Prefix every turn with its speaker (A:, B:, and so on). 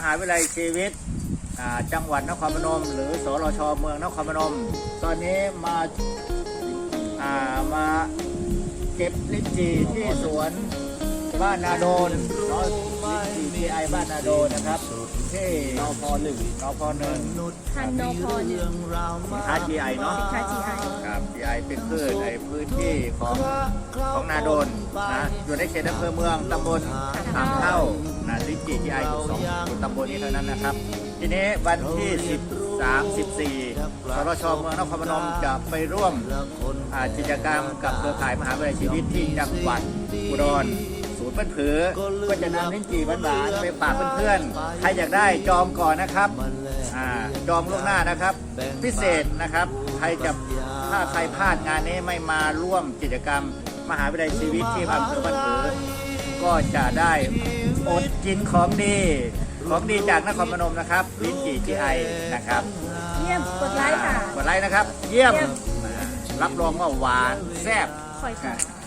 A: าวิทยาลัยชีวิตจังหวัดนครพนมหรือสรชเมืองนครพนมตอนนี้มาเก็บลิ้นจี่ที่สวนบ้านนาโดนลิ้นจี่ GI บ้านนาโดนนะครับที่นพ.1
B: ทันนพ.1
A: สินค้า GI เนาะ
B: สินค้า GI
A: ครับ GI เป็นพืชในพื้นที่ของนาโดนนะอยู่ในเขตอำเภอเมืองตำบลอ่างเท่านะลิ้นจี่ GI อยู่ตำบลนี้เท่านั้นนะครับทีนี้วันที่13-14สรชเมืองนครพนมจะไปร่วมกิจกรรมกับเครือข่ายมหาวิทยาลัยชีวิตที่จังหวัดอุดรศูนย์เปิ้นผือก็จะนำลิ้นจี่หวานๆไปฝากเพื่อนๆใครอยากได้จองก่อนนะครับจองล่วงหน้านะครับพิเศษนะครับถ้าใครพลาดงานนี้ไม่มาร่วมกิจกรรมมหาวิทยาลัยชีวิตที่อำเภอบ้านผือก็จะได้อดกินของดีจากนครพนมนะครับลิ้นจี่ GI นะครับ
B: เยี่ยมกดไลค์ค่ะ
A: กดไลค์นะครับเยี่ยมรับรองว่าหวานแซ่บ
B: คอยค่ะ